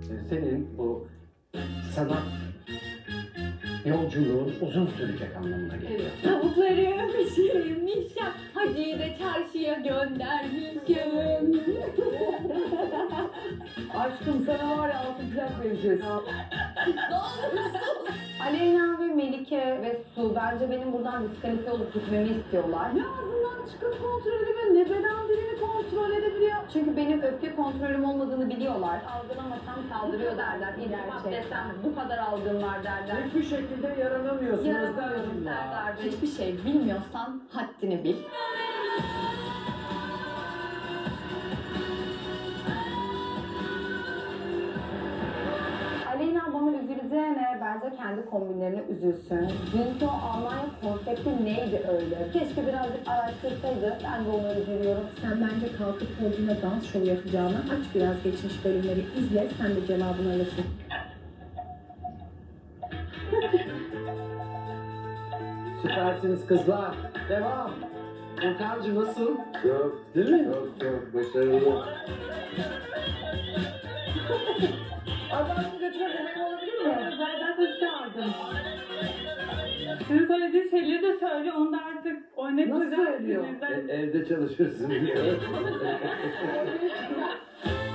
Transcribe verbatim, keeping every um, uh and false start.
senin bu sanat yolculuğun uzun sürecek anlamına geliyor. Tavukları pişirmişim, Hacı'yı da çarşıya göndermişim. Aşkım sana var ya altın plak vereceğiz. Ne olursun. Aleyna ve Melike ve Su bence benim buradan diskalifiye olup gitmemi istiyorlar. Ne ağzından çıkıp kontrol edemiyor, ne beden dilini kontrol edebiliyor. Çünkü benim öfke kontrolüm olmadığını biliyorlar. Algılamasam saldırıyor derler. İltifat desem bu kadar algın var derler. Hiçbir şekilde yaranamıyorsun Yaramıyorum Özlemciğim ya. Serdar Bey. Hiçbir şey bilmiyorsan haddini bil. Aleyna bana üzüleceğine bence kendi kombinlerine üzülsün. Dünkü o Almanya konsepti neydi öyle? Keşke birazcık araştırsaydı. Ben de onu üzülüyorum. Sen bence kalkıp podyuma dans şovu yapacağına aç biraz geçmiş bölümleri izle, sen de cevabını alırsın. Süpersiniz kızlar. Devam. Furkancı nasıl? Yok. Değil mi? Yok yok. Başarılı. Adamını götürmek benim olabilir mi? Ben zaten çağırdım. Sizin söylediği şeyleri de söyle, onu da artık oynatacağım. Nasıl söylüyor? sinirden. evde çalışırsın diye.